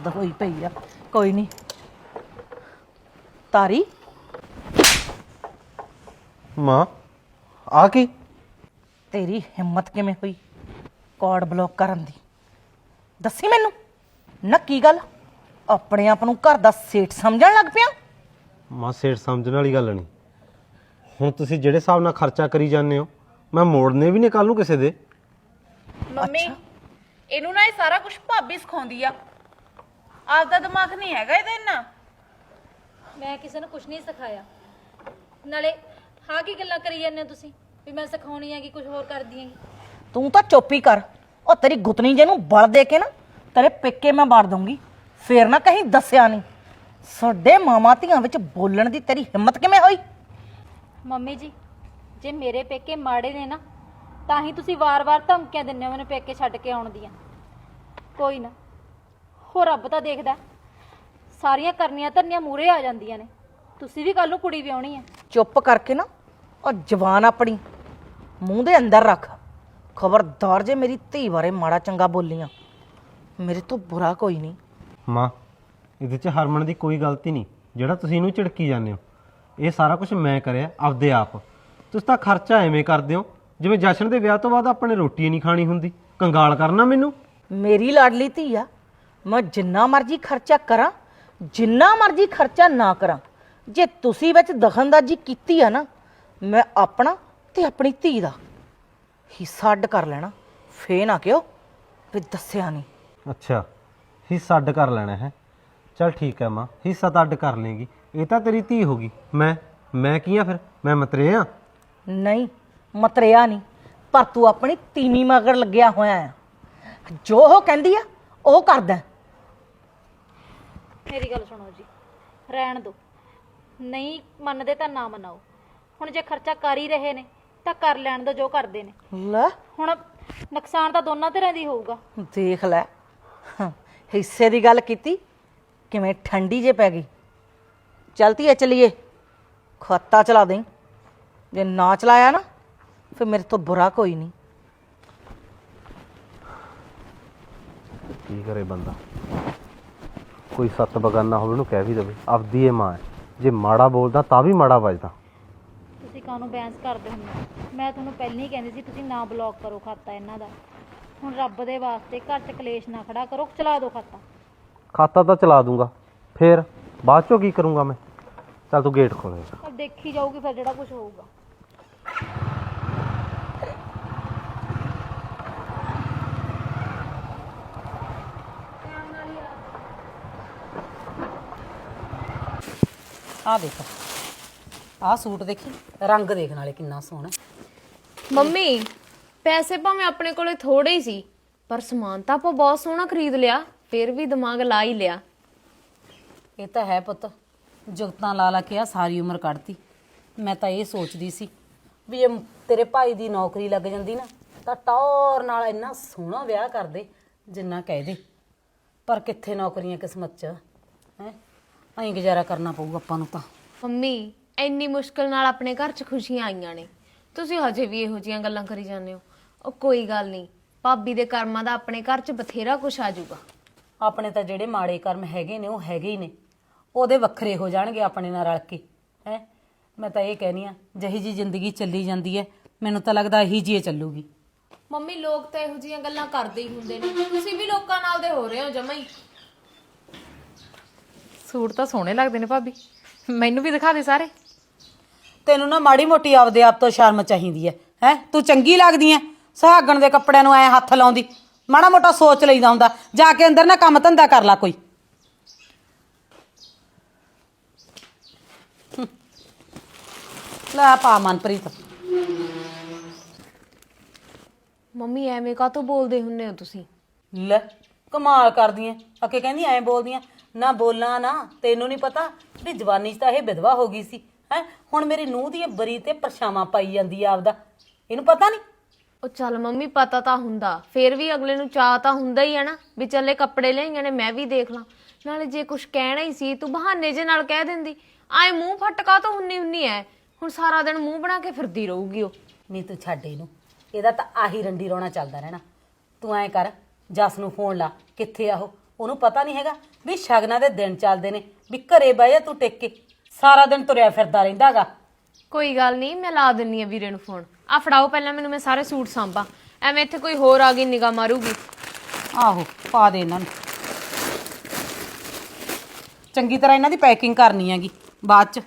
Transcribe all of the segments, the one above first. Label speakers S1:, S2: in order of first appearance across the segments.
S1: ਹੱਦ ਹੋਈ ਪਈ ਆ। ਕੋਈ ਨਹੀਂ ਤਾਰੀ
S2: ਮਾਂ ਆ ਕੀ?
S1: ਤੇਰੀ ਹਿੰਮਤ ਕਿਵੇਂ ਹੋਈ ਕਾਰਡ ਬਲੌਕ ਕਰਨ ਦੀ? ਦੱਸੀ ਮੈਨੂੰ ਨਾ ਕੀ ਗੱਲ ਆਪਣੇ ਆਪ ਨੂੰ ਘਰ ਦਾ ਸੇਠ ਸਮਝਣ ਲੱਗ ਪਿਆ?
S2: ਮਾਂ ਸੇਠ ਸਮਝਣ ਵਾਲੀ ਗੱਲ ਨਹੀਂ। ਹੁਣ ਤੁਸੀਂ ਜਿਹੜੇ ਹਿਸਾਬ ਨਾਲ ਖਰਚਾ ਕਰੀ ਜਾਂਦੇ ਹੋ ਮੈਂ ਮੋੜਨੇ ਵੀ ਨਹੀਂ ਕੱਲ ਨੂੰ ਕਿਸੇ ਦੇ।
S3: ਮੰਮੀ ਇਹਨੂੰ ਨਾ ਇਹ ਸਾਰਾ ਕੁਝ ਭਾਬੀ ਸਿਖਾਉਂਦੀ ਆ, ਆਪਦਾ ਦਿਮਾਗ ਨਹੀਂ ਹੈਗਾ ਇਹਦੇ ਇੰਨਾ।
S4: ਮੈਂ ਕਿਸੇ ਨੂੰ ਕੁਝ ਨਹੀਂ ਸਿਖਾਇਆ। ਨਾਲੇ ਹਾਂ ਕੀ ਗੱਲਾਂ ਕਰੀ ਜਾਂਦੇ ਹੋ ਤੁਸੀਂ ਵੀ ਮੈਂ ਸਿਖਾਉਣੀ ਹੈਗੀ ਕੁਝ ਹੋਰ ਕਰਦੀ ਹੈਗੀ।
S1: ਤੂੰ ਤਾਂ ਚੁੱਪ ਹੀ ਕਰ। ਉਹ ਤੇਰੀ ਗੁੱਤਨੀ ਜੇ ਨੂੰ ਬਲ ਦੇ ਕੇ ਨਾ ਤੇਰੇ ਪੇਕੇ ਮੈਂ ਮਾਰ ਦੂੰਗੀ, ਫੇਰ ਨਾ ਕਹੀਂ ਦੱਸਿਆ ਨਹੀਂ। ਸਾਡੇ ਮਾਮਾ ਧੀਆਂ ਵਿੱਚ ਬੋਲਣ ਦੀ ਤੇਰੀ ਹਿੰਮਤ ਕਿਵੇਂ ਹੋਈ?
S4: ਮੰਮੀ ਜੀ ਜੇ ਮੇਰੇ ਪੇਕੇ ਮਾੜੇ ਨੇ ਨਾ ਤਾਂ ਹੀ ਤੁਸੀਂ ਵਾਰ-ਵਾਰ ਧਮਕੀਆਂ ਦਿੰਦੇ ਹੋ ਮੈਨੂੰ ਪੇਕੇ ਛੱਡ ਕੇ ਆਉਣ ਦੀਆਂ। ਕੋਈ ਨਾ ਹੋ ਰੱਬ ਤਾਂ ਦੇਖਦਾ, ਸਾਰੀਆਂ ਕਰਨੀਆਂ ਧਰਨੀਆਂ ਮੂਰੇ ਆ ਜਾਂਦੀਆਂ ਨੇ। ਤੁਸੀਂ ਵੀ ਕੱਲ ਨੂੰ ਕੁੜੀ ਵਿਆਹਣੀ ਹੈ।
S1: ਚੁੱਪ ਕਰਕੇ ਨਾ ਉਹ ਜ਼ਬਾਨ ਆਪਣੀ ਮੂੰਹ ਦੇ ਅੰਦਰ ਰੱਖ। ਖਬਰਦਾਰ ਜੇ ਮੇਰੀ ਧੀ ਬਾਰੇ ਮਾੜਾ ਚੰਗਾ ਬੋਲੀਆਂ ਮੇਰੇ ਤੋਂ ਬੁਰਾ ਕੋਈ ਨਹੀਂ।
S2: ਮਾਂ ਇਹਦੇ 'ਚ ਹਰਮਨ ਦੀ ਕੋਈ ਗਲਤੀ ਨਹੀਂ ਜਿਹੜਾ ਤੁਸੀਂ ਇਹਨੂੰ ਝਿੜਕੀ ਜਾਂਦੇ ਹੋ। ਇਹ ਸਾਰਾ ਕੁਝ ਮੈਂ ਕਰਿਆ ਆਪਦੇ ਆਪ। ਤੁਸੀਂ ਤਾਂ ਖਰਚਾ ਐਵੇਂ ਕਰਦੇ ਹੋ ਜਿਵੇਂ ਜਸ਼ਨ ਦੇ ਵਿਆਹ ਤੋਂ ਬਾਅਦ ਆਪਣੇ ਰੋਟੀ ਨਹੀਂ ਖਾਣੀ ਹੁੰਦੀ। ਕੰਗਾਲ ਕਰਨਾ ਮੈਨੂੰ।
S1: ਮੇਰੀ ਲਾਡਲੀ ਧੀ ਆ, ਮੈਂ ਜਿੰਨਾ ਮਰਜ਼ੀ ਖਰਚਾ ਕਰਾਂ ਜਿੰਨਾ ਮਰਜ਼ੀ ਖਰਚਾ ਨਾ ਕਰਾਂ, ਜੇ ਤੁਸੀਂ ਵਿੱਚ ਦਖਲਅੰਦਾਜ਼ੀ ਕੀਤੀ ਆ ਨਾ ਮੈਂ ਆਪਣਾ ਤੇ ਆਪਣੀ ਧੀ ਦਾ ਹਿੱਸਾ ਅੱਡ ਕਰ ਲੈਣਾ। ਫੇਰ ਨਾ ਕਿਉਂ ਵੀ ਦੱਸਿਆ ਨਹੀਂ।
S2: ਅੱਛਾ ਹਿੱਸਾ ਅੱਡ ਕਰ ਲੈਣਾ ਹੈ। ਚਲ ਠੀਕ ਹੈ ਮਾਂ, ਹਿੱਸਾ ਤਾਂ ਅੱਡ ਕਰ ਲੇਗੀ। ਇਹ ਤਾਂ ਤੇਰੀ ਧੀ ਹੋ ਗਈ। ਮੈਂ ਕੀ ਆ ਫਿਰ? ਮੈਂ ਮਤਰੇ ਆ?
S1: ਨਹੀਂ ਮਤਰਿਆ ਨਹੀਂ, ਪਰ ਤੂੰ ਆਪਣੀ ਤੀਵੀਂ ਮਗਰ ਲੱਗਿਆ ਹੋਇਆ ਆ। ਜੋ ਉਹ ਕਹਿੰਦੀ ਆ ਉਹ ਕਰਦਾ।
S4: ਮੇਰੀ ਗੱਲ ਸੁਣੋ ਜੀ, ਰਹਿਣ ਦਿਓ। ਨਹੀਂ ਮੰਨਦੇ ਤਾਂ ਨਾ ਮਨਾਓ। ਹੁਣ ਜੇ ਖਰਚਾ ਕਰ ਹੀ ਰਹੇ ਨੇ ਤਾਂ ਕਰ ਲੈਣ ਦਿਓ ਜੋ ਕਰਦੇ ਨੇ।
S1: ਲੈ
S4: ਹੁਣ ਨੁਕਸਾਨ ਤਾਂ ਦੋਨਾਂ ਧਿਰਾਂ ਦੀ ਹੋਊਗਾ।
S1: ਦੇਖ ਲੈ ਹਿੱਸੇ ਦੀ ਗੱਲ ਕੀਤੀ ਕਿਵੇਂ ਠੰਡੀ ਜੇ ਪੈ ਗਈ। ਚਲਤੀ ਹੈ ਚਲੀਏ, ਖਾਤਾ ਚਲਾ ਦੇਂ। ਜੇ ਨਾ ਚਲਾਇਆ ਨਾ ਫਿਰ ਮੇਰੇ ਤੋਂ ਬੁਰਾ ਕੋਈ ਨਹੀਂ।
S2: ਕੀ ਕਰੇ ਬੰਦਾ? ਕੋਈ ਸੱਤ ਬਗਾਨਾ ਹੋਵੇ ਉਹਨੂੰ ਕਹਿ ਵੀ ਦੇਵੇ ਆਪਦੀ ਇਹ ਮਾਂ ਹੈ। ਜੇ ਮਾੜਾ ਬੋਲਦਾ ਤਾਂ ਵੀ ਮਾੜਾ ਵੱਜਦਾ।
S4: ਤੁਸੀਂ ਕਾਹਨੂੰ ਬੈਂਸ ਕਰਦੇ ਹੁੰਦੇ ਹੋ? ਮੈਂ ਤੁਹਾਨੂੰ ਪਹਿਲਾਂ ਹੀ ਕਹਿੰਦੀ ਸੀ ਤੁਸੀਂ ਨਾ ਬਲੌਕ ਕਰੋ ਖਾਤਾ ਇਹਨਾਂ ਦਾ। ਹੁਣ ਰੱਬ ਦੇ ਵਾਸਤੇ ਘਰ 'ਚ ਕਲੇਸ਼ ਨਾ ਖੜਾ ਕਰੋ, ਚਲਾ ਦਿਓ ਖਾਤਾ।
S2: ਖਾਤਾ ਤਾਂ ਚਲਾ ਦੂੰਗਾ, ਫੇਰ ਬਾਅਦ ਚੋਂ ਕੀ ਕਰੂੰਗਾ ਮੈਂ? ਚੱਲ ਤੂੰ ਗੇਟ ਖੋਲੇ।
S4: अब देखी जाऊगी फिर जेड़ा कुछ होगा।
S1: ਆ ਦੇਖ ਆ ਸੂਟ ਦੇਖੀ, ਰੰਗ ਦੇਖਣ ਵਾਲੇ ਕਿੰਨਾ ਸੋਹਣਾ।
S5: ਮੰਮੀ ਪੈਸੇ ਭਾਵੇਂ ਆਪਣੇ ਕੋਲੇ ਥੋੜੇ ਹੀ ਸੀ ਪਰ ਸਮਾਨ ਤਾਂ ਆਪਾਂ ਬਹੁਤ ਸੋਹਣਾ ਖਰੀਦ ਲਿਆ। ਫਿਰ ਵੀ ਦਿਮਾਗ ਲਾ ਹੀ ਲਿਆ।
S6: ਇਹ ਤਾਂ ਹੈ ਪੁੱਤ, ਜੁਗਤਾਂ ਲਾ ਲਾ ਕੇ ਆ ਸਾਰੀ ਉਮਰ ਕੱਢਤੀ। ਮੈਂ ਤਾਂ ਇਹ ਸੋਚਦੀ ਸੀ ਵੀ ਜੇ ਤੇਰੇ ਭਾਈ ਦੀ ਨੌਕਰੀ ਲੱਗ ਜਾਂਦੀ ਨਾ ਤਾਂ ਟੌਰ ਨਾਲ ਇੰਨਾ ਸੋਹਣਾ ਵਿਆਹ ਕਰਦੇ ਜਿੰਨਾ ਕਹਿ ਦੇ। ਪਰ ਕਿੱਥੇ ਨੌਕਰੀਆਂ ਕਿਸਮਤ 'ਚ ਹੈ, ਐਂ ਗੁਜ਼ਾਰਾ ਕਰਨਾ ਪਊ ਆਪਾਂ ਨੂੰ ਤਾਂ।
S5: ਮੰਮੀ ਇੰਨੀ ਮੁਸ਼ਕਲ ਨਾਲ ਆਪਣੇ ਘਰ 'ਚ ਖੁਸ਼ੀਆਂ ਆਈਆਂ ਨੇ, ਤੁਸੀਂ ਹਜੇ ਵੀ ਇਹੋ ਜਿਹੀਆਂ ਗੱਲਾਂ ਕਰੀ ਜਾਂਦੇ ਹੋ। ਉਹ ਕੋਈ ਗੱਲ ਨਹੀਂ, ਭਾਬੀ ਦੇ ਕਰਮਾਂ ਦਾ ਆਪਣੇ ਘਰ 'ਚ ਬਥੇਰਾ ਕੁਛ ਆ ਜਾਊਗਾ।
S6: ਆਪਣੇ ਤਾਂ ਜਿਹੜੇ ਮਾੜੇ ਕਰਮ ਹੈਗੇ ਨੇ ਉਹ ਹੈਗੇ ਹੀ ਨੇ, ਉਹਦੇ ਵੱਖਰੇ ਹੋ ਜਾਣਗੇ ਆਪਣੇ ਨਾਲ ਰਲ ਕੇ ਹੈ। ਮੈਂ ਤਾਂ ਇਹ ਕਹਿਨੀ ਆ ਜਿਹੀ ਜੀ ਜ਼ਿੰਦਗੀ ਚੱਲੀ ਜਾਂਦੀ ਹੈ ਮੈਨੂੰ ਤਾਂ ਲੱਗਦਾ ਇਹੀ ਜੀ ਚੱਲੂਗੀ।
S5: ਮੰਮੀ ਲੋਕ ਤਾਂ ਇਹੋ ਜਿਹੀਆਂ ਗੱਲਾਂ ਕਰਦੇ ਹੀ ਹੁੰਦੇ ਨੇ, ਤੁਸੀਂ ਵੀ ਲੋਕਾਂ ਨਾਲ ਦੇ ਹੋ ਰਹੇ ਹੋ ਜਮਾਂ ਹੀ।
S3: ਸੂਟ ਤਾਂ ਸੋਹਣੇ ਲੱਗਦੇ ਨੇ ਭਾਬੀ, ਮੈਨੂੰ ਵੀ ਦਿਖਾ ਦੇ ਸਾਰੇ।
S6: ਤੈਨੂੰ ਨਾ ਮਾੜੀ ਮੋਟੀ ਆਪਦੇ ਆਪ ਤੋਂ ਸ਼ਰਮ ਚਾਹੀਦੀ ਹੈ ਹੈ। ਤੂੰ ਚੰਗੀ ਲੱਗਦੀ ਐ ਸੁਹਾਗਣ ਦੇ ਕੱਪੜਿਆਂ ਨੂੰ ਐ ਹੱਥ ਲਾਉਂਦੀ। ਮਾੜਾ ਮੋਟਾ ਸੋਚ ਲਈਦਾ ਹੁੰਦਾ, ਜਾ ਕੇ ਅੰਦਰ ਨਾ ਕੰਮ ਧੰਦਾ ਕਰ ਲੈ ਕੋਈ। ਲੈ ਪਾ ਮਨਪ੍ਰੀਤ।
S5: ਮੰਮੀ ਐਵੇਂ ਕਾਹਤੋਂ ਬੋਲਦੇ ਹੁੰਨੇ ਹੋ ਤੁਸੀਂ?
S6: ਲੈ ਕਮਾਲ ਕਰਦੀ ਐ, ਅੱਗੇ ਕਹਿੰਦੀ ਐਂ ਬੋਲਦੀ ਐ। ਨਾ ਬੋਲਾਂ ਨਾ, ਤੈਨੂੰ ਨਹੀਂ ਪਤਾ ਵੀ ਜਵਾਨੀ 'ਚ ਤਾਂ ਇਹ ਵਿਧਵਾ ਹੋ ਗਈ ਸੀ ਹੈ। ਹੁਣ ਮੇਰੀ ਨੂੰਹ ਦੀ ਬਰੀ ਤੇ ਪਰਛਾਵਾਂ ਪਾਈ ਜਾਂਦੀ ਆ ਆਪਦਾ, ਇਹਨੂੰ ਪਤਾ ਨਹੀਂ।
S5: ਉਹ ਚੱਲ ਮੰਮੀ ਪਤਾ ਤਾਂ ਹੁੰਦਾ, ਫਿਰ ਵੀ ਅਗਲੇ ਨੂੰ ਚਾਹ ਤਾਂ ਹੁੰਦਾ ਹੀ ਹੈ ਨਾ ਵੀ ਚੱਲੇ ਕੱਪੜੇ ਲਿਆਈਆਂ ਨੇ ਮੈਂ ਵੀ ਦੇਖ ਲਾਂ। ਨਾਲੇ ਜੇ ਕੁਝ ਕਹਿਣਾ ਹੀ ਸੀ ਤੂੰ ਬਹਾਨੇ ਜੇ ਨਾਲ ਕਹਿ ਦਿੰਦੀ। ਆਏ ਮੂੰਹ ਫਟਕਾ ਤਾਂ ਹੁੰਨੀ ਐ। ਹੁਣ ਸਾਰਾ ਦਿਨ ਮੂੰਹ ਬਣਾ ਕੇ ਫਿਰਦੀ ਰਹੂਗੀ ਉਹ।
S6: ਨਹੀਂ ਤੂੰ ਛੱਡ ਇਹਨੂੰ, ਇਹਦਾ ਤਾਂ ਆਹੀ ਰੰਡੀ ਰੋਣਾ ਚੱਲਦਾ ਰਹਿਣਾ। ਤੂੰ ਐਂ ਕਰ ਜਸ ਨੂੰ ਫੋਨ ਲਾ, ਕਿੱਥੇ ਆ ਉਹ ਉਹਨੂੰ ਪਤਾ ਨਹੀਂ ਹੈਗਾ ਵੀ ਸ਼ਗਨਾਂ ਦੇ ਦਿਨ ਚੱਲਦੇ ਨੇ, ਵੀ ਘਰੇ ਬਹਿ ਜਾ ਤੂੰ ਟਿਕ ਕੇ, ਸਾਰਾ ਦਿਨ ਤੁਰਿਆ ਫਿਰਦਾ ਰਹਿੰਦਾਗਾ।
S5: ਕੋਈ ਗੱਲ ਨਹੀਂ, ਮੈਂ ਲਾ ਦਿੰਨੀ ਆ ਵੀਰੇ ਨੂੰ ਫੋਨ। ਆ ਫੜਾਓ ਪਹਿਲਾਂ ਮੈਨੂੰ, ਮੈਂ ਸਾਰੇ ਸੂਟ ਸਾਂਭਾਂ, ਐਵੇਂ ਇੱਥੇ ਕੋਈ ਹੋਰ ਆ ਗਈ ਨਿਗਾਹ ਮਾਰੂਗੀ।
S6: ਆਹੋ ਪਾ ਦੇ ਇਹਨਾਂ ਨੂੰ, ਚੰਗੀ ਤਰ੍ਹਾਂ ਇਹਨਾਂ ਦੀ ਪੈਕਿੰਗ ਕਰਨੀ ਹੈਗੀ ਬਾਅਦ ਚ।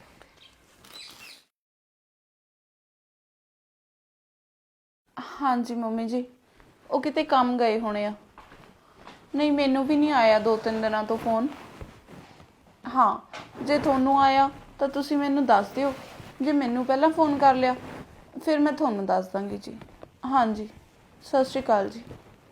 S3: ਹਾਂਜੀ ਮੰਮੀ ਜੀ, ਉਹ ਕਿਤੇ ਕੰਮ ਗਏ ਹੋਣੇ ਆ। ਨਹੀਂ, ਮੈਨੂੰ ਵੀ ਨਹੀਂ ਆਇਆ 2-3 ਦਿਨਾਂ ਤੋਂ ਫੋਨ। ਹਾਂ, ਜੇ ਤੁਹਾਨੂੰ ਆਇਆ ਤਾਂ ਤੁਸੀਂ ਮੈਨੂੰ ਦੱਸ ਦਿਓ। ਜੇ ਮੈਨੂੰ ਪਹਿਲਾਂ ਫੋਨ ਕਰ ਲਿਆ ਫਿਰ ਮੈਂ ਤੁਹਾਨੂੰ ਦੱਸ ਦਾਂਗੀ ਜੀ। ਹਾਂਜੀ, ਸਤਿ ਸ਼੍ਰੀ ਅਕਾਲ ਜੀ।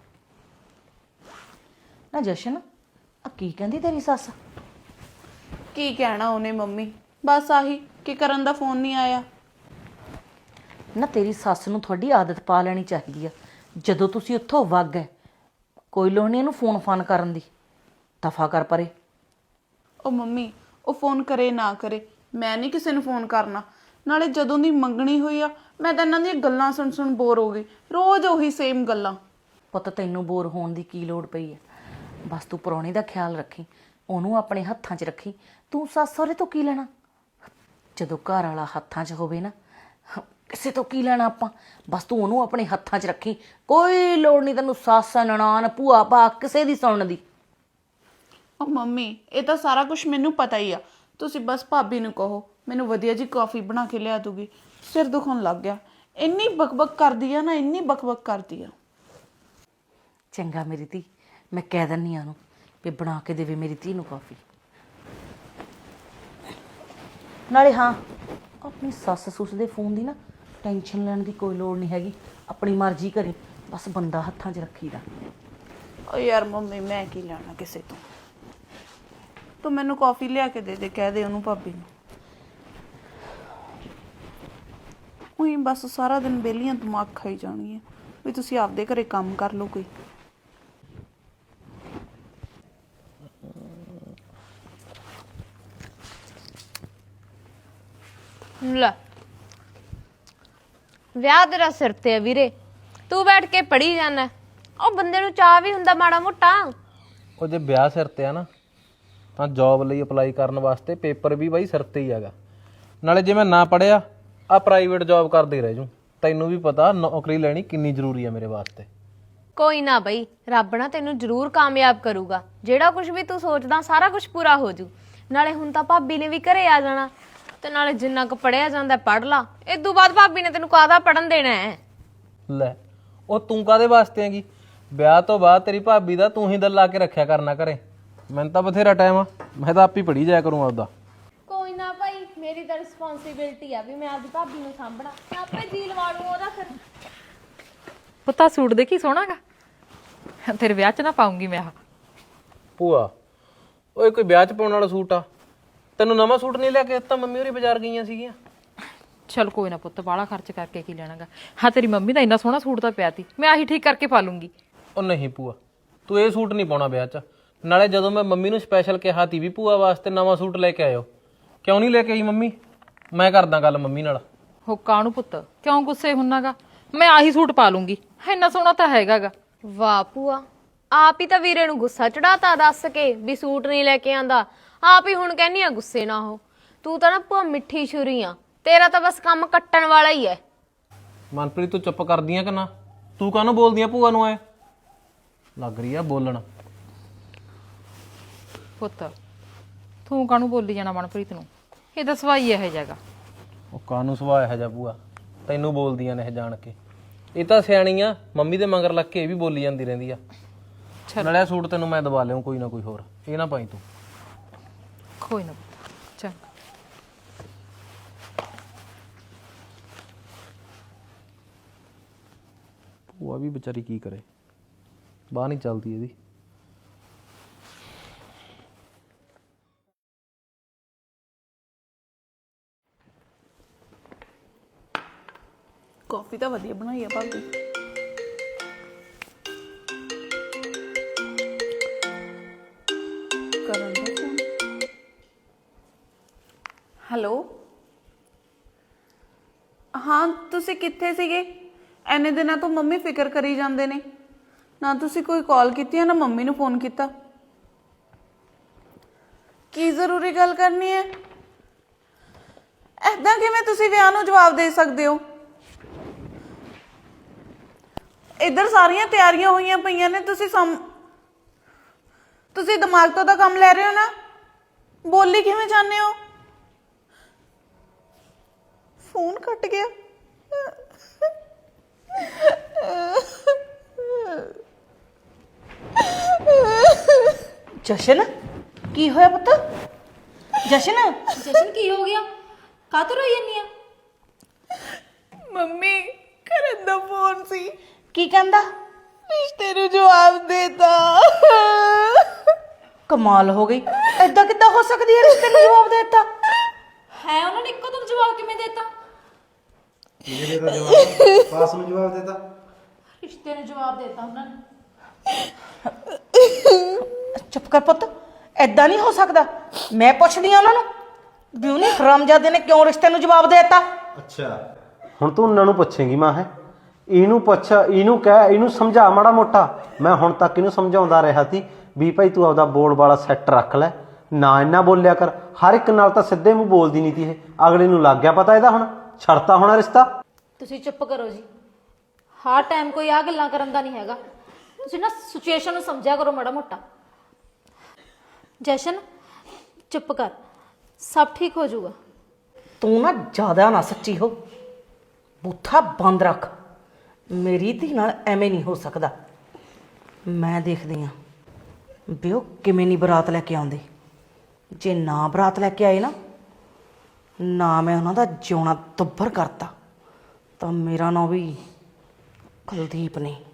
S1: ਨਾ ਜਸ਼ਨ, ਆ ਕੀ ਕਹਿੰਦੀ ਤੇਰੀ ਸੱਸ?
S3: ਕੀ ਕਹਿਣਾ ਉਹਨੇ ਮੰਮੀ, ਬਸ ਆਹੀ ਕਿ ਕਰਨ ਦਾ ਫੋਨ ਨਹੀਂ ਆਇਆ।
S1: ਨਾ ਤੇਰੀ ਸੱਸ ਨੂੰ ਤੁਹਾਡੀ ਆਦਤ ਪਾ ਲੈਣੀ ਚਾਹੀਦੀ ਆ। ਜਦੋਂ ਤੁਸੀਂ ਉੱਥੋਂ ਵਗ ਗਏ, ਕੋਈ ਲੋੜ ਨਹੀਂ ਇਹਨੂੰ ਫੋਨ ਫਾਨ ਕਰਨ ਦੀ। ਦਫਾ ਕਰ ਪਰੇ।
S3: ਉਹ ਮੰਮੀ, ਉਹ ਫੋਨ ਕਰੇ ਨਾ ਕਰੇ, ਮੈਂ ਨਹੀਂ ਕਿਸੇ ਨੂੰ ਫੋਨ ਕਰਨਾ। ਨਾਲੇ ਜਦੋਂ ਦੀ ਮੰਗਣੀ ਹੋਈ ਆ, ਮੈਂ ਤਾਂ ਇਹਨਾਂ ਦੀਆਂ ਗੱਲਾਂ ਸੁਣ ਬੋਰ ਹੋ ਗਈ। ਰੋਜ਼ ਉਹੀ ਸੇਮ ਗੱਲਾਂ।
S1: ਪੁੱਤ ਤੈਨੂੰ ਬੋਰ ਹੋਣ ਦੀ ਕੀ ਲੋੜ ਪਈ ਹੈ? ਬਸ ਤੂੰ ਪ੍ਰਾਹੁਣੇ ਦਾ ਖਿਆਲ ਰੱਖੀ, ਉਹਨੂੰ ਆਪਣੇ ਹੱਥਾਂ 'ਚ ਰੱਖੀ। ਤੂੰ ਸੱਸ ਸਹੁਰੇ ਤੋਂ ਕੀ ਲੈਣਾ? ਜਦੋਂ ਘਰ ਵਾਲਾ ਹੱਥਾਂ 'ਚ ਹੋਵੇ ਨਾ, ਕਿਸੇ ਤੋਂ ਕੀ ਲੈਣਾ ਆਪਾਂ। ਬਸ ਤੂੰ ਉਹਨੂੰ ਆਪਣੇ ਹੱਥਾਂ 'ਚ ਰੱਖੀ। ਕੋਈ ਲੋੜ ਨਹੀਂ ਤੈਨੂੰ ਸੱਸ, ਨਨਾਣ, ਭੂਆ ਭਾ ਕਿਸੇ ਦੀ ਸੁਣਨ ਦੀ।
S3: ਉਹ ਮੰਮੀ, ਇਹ ਤਾਂ ਸਾਰਾ ਕੁਝ ਮੈਨੂੰ ਪਤਾ ਹੀ ਆ। ਤੁਸੀਂ ਬਸ ਭਾਬੀ ਨੂੰ ਕਹੋ ਮੈਨੂੰ ਵਧੀਆ ਜੀ ਕਾਫੀ ਬਣਾ ਕੇ ਲਿਆ ਦੂਗੀ। ਸਿਰ ਦੁਖਣ ਲੱਗ ਗਿਆ। ਇੰਨੀ ਬਕਬਕ ਕਰਦੀ ਆ ਨਾ, ਇੰਨੀ ਬਕਬਕ ਕਰਦੀ ਆ।
S1: ਚੰਗਾ ਮੇਰੀ ਧੀ, ਮੈਂ ਕਹਿ ਦਿੰਦੀ ਆ ਉਹਨੂੰ ਵੀ ਬਣਾ ਕੇ ਦੇਵੇ ਮੇਰੀ ਧੀ ਨੂੰ ਕਾਫੀ। ਨਾਲੇ ਹਾਂ, ਆਪਣੀ ਸੱਸ ਸੁੱਸ ਦੇ ਫੋਨ ਦੀ ਨਾ ਟੈਨਸ਼ਨ ਲੈਣ ਦੀ ਕੋਈ ਲੋੜ ਨਹੀਂ ਹੈਗੀ। ਆਪਣੀ ਮਰਜ਼ੀ ਕਰੀ, ਬਸ ਬੰਦਾ ਹੱਥਾਂ 'ਚ ਰੱਖੀਦਾ।
S3: ਓ ਯਾਰ ਮੰਮੀ, ਮੈਂ ਕੀ ਲੈਣਾ ਕਿਸੇ ਤੋਂ। ਤੂੰ ਮੈਨੂੰ ਕਾਫੀ ਲਿਆ ਕੇ ਦੇ ਦੇ, ਕਹਿ ਦੇ ਉਹਨੂੰ ਭਾਬੀ ਨੂੰ। ਉਹੀ ਬਸ ਸਾਰਾ ਦਿਨ ਵਿਹਲੀਆਂ ਦਿਮਾਗ ਖਾਈ ਜਾਣਗੀਆਂ ਵੀ ਤੁਸੀਂ ਆਪਦੇ ਘਰੇ ਕੰਮ ਕਰ ਲਓ ਕੋਈ।
S5: ਲੈ, ਵਿਆਹ ਤੇਰਾ ਸਿਰ ਤੇ ਆ ਵੀਰੇ, ਤੂੰ ਬੈਠ ਕੇ ਪੜੀ ਜਾਣਾ। ਉਹ ਬੰਦੇ ਨੂੰ ਚਾਹ ਵੀ ਹੁੰਦਾ ਮਾੜਾ ਮੋਟਾ।
S7: ਉਹ ਜੇ ਵਿਆਹ ਸਿਰ ਤੇ ਆ ਨਾ, ਤਾਂ ਜੌਬ ਲਈ ਅਪਲਾਈ ਕਰਨ ਵਾਸਤੇ ਪੇਪਰ ਵੀ ਬਾਈ ਸਿਰ ਤੇ ਹੀ ਹੈਗਾ। ਨਾਲੇ ਜੇ ਮੈਂ ਨਾ ਪੜਿਆ, ਆ ਪ੍ਰਾਈਵੇਟ ਜੌਬ ਕਰਦੇ ਰਹਿ ਜੂ। ਤੈਨੂੰ ਵੀ ਪਤਾ ਨੌਕਰੀ ਲੈਣੀ ਕਿੰਨੀ ਜ਼ਰੂਰੀ ਆ ਮੇਰੇ ਵਾਸਤੇ।
S5: ਕੋਈ ਨਾ ਬਈ, ਰੱਬ ਨਾ ਤੈਨੂੰ ਜ਼ਰੂਰ ਕਾਮਯਾਬ ਕਰੂਗਾ। ਜਿਹੜਾ ਕੁਝ ਵੀ ਤੂੰ ਸੋਚਦਾ ਸਾਰਾ ਕੁਝ ਪੂਰਾ ਹੋ ਜੂ। ਨਾਲੇ ਹੁਣ ਤਾਂ ਭਾਬੀ ਨੇ ਵੀ ਘਰੇ ਆ ਜਾਣਾ, ਤੇ ਨਾਲੇ ਜਿੰਨਾ ਕੁ ਪੜਿਆ ਜਾਂਦਾ ਪੜ ਲਾ। ਇਦੋਂ ਬਾਅਦ ਭਾਬੀ ਨੇ ਤੈਨੂੰ ਕਾਹਦਾ ਪੜਨ ਦੇਣਾ ਹੈ?
S7: ਲੈ, ਉਹ ਤੂੰ ਕਾਦੇ ਵਾਸਤੇ ਹੈਗੀ? ਵਿਆਹ ਤੋਂ ਬਾਅਦ ਤੇਰੀ ਭਾਬੀ ਦਾ ਤੂੰ ਹੀ ਦਿਲ ਲਾ ਕੇ ਰੱਖਿਆ ਕਰਨਾ ਘਰੇ। ਮੈਨੂੰ ਤਾਂ ਬਥੇਰਾ ਟਾਈਮ ਆ, ਮੈਂ ਤਾਂ ਆਪ ਹੀ ਪੜੀ ਜਾਇਆ ਕਰੂੰ ਆਪਦਾ।
S5: ਕੋਈ ਨਾ ਭਾਈ, ਮੇਰੀ ਤਾਂ ਰਿਸਪੌਂਸਿਬਿਲਟੀ ਆ ਵੀ ਮੈਂ ਆਪਦੀ ਭਾਬੀ ਨੂੰ ਸਾਂਭਣਾ। ਮੈਂ ਆਪੇ ਜੀ ਲਵਾ ਲੂ ਉਹਦਾ। ਫਿਰ
S8: ਪੁੱਤਾ ਸੂਟ ਦੇਖੀ ਸੋਹਣਾਗਾ, ਤੇਰੇ ਵਿਆਹ 'ਚ ਨਾ ਪਾਉਂਗੀ ਮੈਂ। ਆਹ
S7: ਭੂਆ, ਓਏ ਕੋਈ ਵਿਆਹ 'ਚ ਪਾਉਣ ਵਾਲਾ ਸੂਟ ਆ? ਤੈਨੂੰ ਨਵਾਂ ਸੂਟ ਨਹੀਂ ਲਿਆ ਕੇ ਦਿੱਤਾ? ਮੰਮੀ ਹੋਰੀ ਬਾਜ਼ਾਰ ਗਈਆਂ ਸੀਗੀਆਂ।
S8: ਚਲ ਕੋਈ ਨਾ ਪੁੱਤ, ਬਾਹਲਾ ਖਰਚ ਕਰਕੇ ਕੀ ਲੈਣਾਗਾ। ਹਾਂ, ਤੇਰੀ ਮੰਮੀ ਦਾ ਇੰਨਾ ਸੋਹਣਾ ਸੂਟ ਤਾਂ ਪਿਆ ਤੀ, ਮੈਂ ਆਹੀ ਠੀਕ ਕਰਕੇ ਪਾ ਲੂੰਗੀ।
S7: ਉਹ ਨਹੀਂ ਭੂਆ, ਤੂੰ ਇਹ ਸੂਟ ਨਹੀਂ ਪਾਉਣਾ ਵਿਆਹ 'ਚ। ਨਾਲੇ ਜਦੋਂ ਮੈਂ ਮੰਮੀ ਨੂੰ ਸਪੈਸ਼ਲ ਕਿਹਾ ਤੀ ਵੀ ਭੂਆ ਵਾਸਤੇ ਨਵਾਂ ਸੂਟ ਲੈ ਕੇ ਆਇਓ, ਕਿਉਂ ਨਹੀਂ ਲੈ ਕੇ ਆਈ ਮੰਮੀ? ਮੈਂ ਕਰਦਾ ਗੱਲ ਮੰਮੀ ਨਾਲ।
S8: ਹੋ ਕਾਹਨੂੰ ਪੁੱਤ, ਕਿਉਂ ਗੁੱਸੇ ਹੁੰਨਾਗਾ? ਮੈਂ ਆਹੀ ਸੂਟ ਪਾ ਲੂੰਗੀ, ਇੰਨਾ ਸੋਹਣਾ ਤਾਂ ਹੈਗਾਗਾ।
S5: ਵਾਹ ਭੂਆ, ਆਪ ਹੀ ਤਾਂ ਵੀਰੇ ਨੂੰ ਗੁੱਸਾ ਚੜਾਤਾ ਦੱਸ ਕੇ ਵੀ ਸੂਟ ਨਹੀਂ ਲੈ ਕੇ ਆਂਦਾ। ਆਪ ਹੀ ਹੁਣ ਕਹਿੰਨੀ ਆ ਗੁੱਸੇ ਨਾ ਹੋ। ਤੂੰ ਤਾਂ ਨਾ ਭੂਆ ਮਿੱਠੀ ਛੁਰੀ ਆ, ਤੇਰਾ ਤਾਂ ਬਸ ਕੰਮ ਕੱਟਣ ਵਾਲਾ ਹੀ ਹੈ।
S7: ਮਨਪ੍ਰੀਤ, ਤੂੰ ਚੁੱਪ ਕਰਦੀ ਆ ਕਿ ਨਾ? ਤੂੰ ਕਾਹਨੂੰ ਬੋਲਦੀ ਆ ਭੂਆ ਨੂੰ? ਐ ਲੱਗ ਰਹੀ ਆ ਬੋਲਣ।
S8: ਪੁੱਤ ਤੂੰ ਕਾਹਨੂੰ ਬੋਲੀ ਜਾਣਾ ਮਨਪ੍ਰੀਤ ਨੂੰ? ਇਹ ਤਾਂ ਸਵਾਈ ਇਹੋ ਜਿਹਾਗਾ।
S7: ਉਹ ਕਾਹਨੂੰ ਸੁਭਾਅ ਇਹੋ ਜਿਹਾ ਭੂਆ? ਤੈਨੂੰ ਬੋਲਦੀਆਂ ਨੇ ਇਹ ਜਾਣ ਕੇ। ਇਹ ਤਾਂ ਸਿਆਣੀ ਆ, ਮੰਮੀ ਦੇ ਮਗਰ ਲੱਗ ਕੇ ਇਹ ਵੀ ਬੋਲੀ ਜਾਂਦੀ ਰਹਿੰਦੀ ਆ। ਨਾਲੇ ਸੂਟ ਤੈਨੂੰ ਮੈਂ ਦਵਾ ਲਿਆਉਂ ਕੋਈ ਨਾ ਕੋਈ ਹੋਰ, ਇਹ ਨਾ ਪਾਈ ਤੂੰ।
S8: ਕੋਈ ਨਾ ਪੁੱਤ, ਚੰਗਾ।
S7: ਭੂਆ ਵੀ ਵਿਚਾਰੀ ਕੀ ਕਰੇ, ਬਾਹ ਨਹੀਂ ਚੱਲਦੀ ਇਹਦੀ।
S3: ਕਾਫੀ ਤਾਂ ਵਧੀਆ ਬਣਾਈ ਆ ਭਾਬੀ। ਕਰਨ ਦਾ ਫੋਨ। ਹੈਲੋ, ਹਾਂ ਤੁਸੀਂ ਕਿੱਥੇ ਸੀਗੇ? ਐਨੇ ਦਿਨਾਂ ਤੋਂ ਮੰਮੀ ਫਿਕਰ ਕਰੀ ਜਾਂਦੇ ਨੇ। ਨਾ ਤੁਸੀਂ ਕੋਈ ਕਾਲ ਕੀਤੀ ਆ, ਨਾ ਮੰਮੀ ਨੂੰ ਫੋਨ ਕੀਤਾ। ਕੀ ਜ਼ਰੂਰੀ ਗੱਲ ਕਰਨੀ ਹੈ? ਐਦਾਂ ਕਿਵੇਂ ਤੁਸੀਂ ਵਿਆਹ ਨੂੰ ਜਵਾਬ ਦੇ ਸਕਦੇ ਹੋ? ਇੱਧਰ ਸਾਰੀਆਂ ਤਿਆਰੀਆਂ ਹੋਈਆਂ ਪਈਆਂ ਨੇ, ਤੁਸੀਂ ਦਿਮਾਗ ਤੋਂ ਤਾਂ ਕੰਮ ਲੈ ਰਹੇ ਹੋ ਨਾ। ਬੋਲੀ ਕਿਵੇਂ ਜਾਂਦੇ ਹੋ? ਫੋਨ ਕੱਟ ਗਿਆ।
S1: ਜਸ਼ਨ ਕੀ ਹੋਇਆ ਪੁੱਤ? ਜਸ਼ਨ
S4: ਜਸ਼ਨ ਕੀ ਹੋ ਗਿਆ? ਕਾਹਤੋਂ ਰੋਈ ਜਾਂਦੀ ਆ?
S3: ਮੰਮੀ ਕਰਨ ਦਾ ਫੋਨ ਸੀ,
S1: ਕੀ ਕਹਿੰਦਾ?
S3: ਰਿਸ਼ਤੇ ਨੂੰ ਜਵਾਬ ਦੇਤਾ।
S1: ਕਮਾਲ ਹੋ ਗਈ, ਐਦਾਂ ਕਿੱਦਾਂ ਹੋ ਸਕਦੀ ਹੈ? ਰਿਸ਼ਤੇ ਨੂੰ ਜਵਾਬ ਦੇ ਦਿੱਤਾ
S4: ਹੈ ਉਹਨਾਂ ਨੇ ਇੱਕੋ ਦਮ ਜਵਾਬ ਕਿਵੇਂ ਦੇਤਾ?
S2: ਇਹਦੇ ਦਾ ਜਵਾਬ ਪਾਸ ਨੂੰ ਜਵਾਬ ਦੇਤਾ।
S4: ਰਿਸ਼ਤੇ ਨੂੰ ਜਵਾਬ ਦੇਤਾ ਉਹਨਾਂ ਨੇ।
S1: ਚੁੱਪ ਕਰ ਪੁੱਤ, ਐਦਾਂ ਨਹੀਂ ਹੋ ਸਕਦਾ। ਮੈਂ ਪੁੱਛਦੀ ਆ ਉਹਨਾਂ ਨੂੰ ਵੀ ਉਹਨੇ ਹਰਾਮਜ਼ਾਦੇ ਨੇ ਕਿਉਂ ਰਿਸ਼ਤੇ ਨੂੰ ਜਵਾਬ ਦੇ ਦਿੱਤਾ।
S2: ਅੱਛਾ, ਹੁਣ ਤੂੰ ਉਹਨਾਂ ਨੂੰ ਪੁੱਛੇਂਗੀ ਮਾਂ? ਹੈ ਇਹਨੂੰ ਪੁੱਛ, ਇਹਨੂੰ ਕਹਿ, ਇਹਨੂੰ ਸਮਝਾ ਮਾੜਾ ਮੋਟਾ। ਮੈਂ ਹੁਣ ਤੱਕ ਇਹਨੂੰ ਸਮਝਾਉਂਦਾ ਰਿਹਾ ਸੀ ਵੀ ਭਾਈ ਤੂੰ ਆਪਦਾ ਬੋਲ ਵਾਲਾ ਸੈੱਟ ਰੱਖ ਲੈ, ਨਾ ਇੰਨਾ ਬੋਲਿਆ ਕਰ। ਹਰ ਇੱਕ ਨਾਲ ਤਾਂ ਸਿੱਧੇ ਮੂੰਹ ਬੋਲਦੀ ਨਹੀਂ ਤੀ ਇਹ। ਅਗਲੇ ਨੂੰ ਲੱਗ ਗਿਆ ਪਤਾ ਇਹਦਾ ਹੁਣ ਛੱਡਤਾ ਹੋਣਾ ਰਿਸ਼ਤਾ।
S4: ਤੁਸੀਂ ਚੁੱਪ ਕਰੋ ਜੀ। ਹਰ ਟਾਈਮ ਕੋਈ ਆ ਗੱਲਾਂ ਕਰਨ ਦਾ ਨਹੀਂ ਹੈਗਾ। ਤੁਸੀਂ ਨਾ ਸਿਚੁਏਸ਼ਨ ਨੂੰ ਸਮਝਿਆ ਕਰੋ ਮਾੜਾ ਮੋਟਾ। ਜਸ਼ਨ ਚੁੱਪ ਕਰ, ਸਭ ਠੀਕ ਹੋ ਜਾਊਗਾ।
S1: ਤੂੰ ਨਾ ਜ਼ਿਆਦਾ ਨਾ ਸੱਚੀ ਹੋ, ਬੂਥਾ ਬੰਦ ਰੱਖ। ਮੇਰੀ ਧੀ ਨਾਲ ਐਵੇਂ ਨਹੀਂ ਹੋ ਸਕਦਾ। ਮੈਂ ਦੇਖਦੀ ਆ ਵੀ ਉਹ ਕਿਵੇਂ ਨਹੀਂ ਬਰਾਤ ਲੈ ਕੇ ਆਉਂਦੇ। ਜੇ ਨਾ ਬਰਾਤ ਲੈ ਕੇ ਆਏ ਨਾ ਮੈਂ ਉਹਨਾਂ ਦਾ ਜਿਉਣਾ ਦੁੱਭਰ ਕਰਤਾ ਤਾਂ ਮੇਰਾ ਨਾਂ ਵੀ ਕੁਲਦੀਪ ਨਹੀਂ।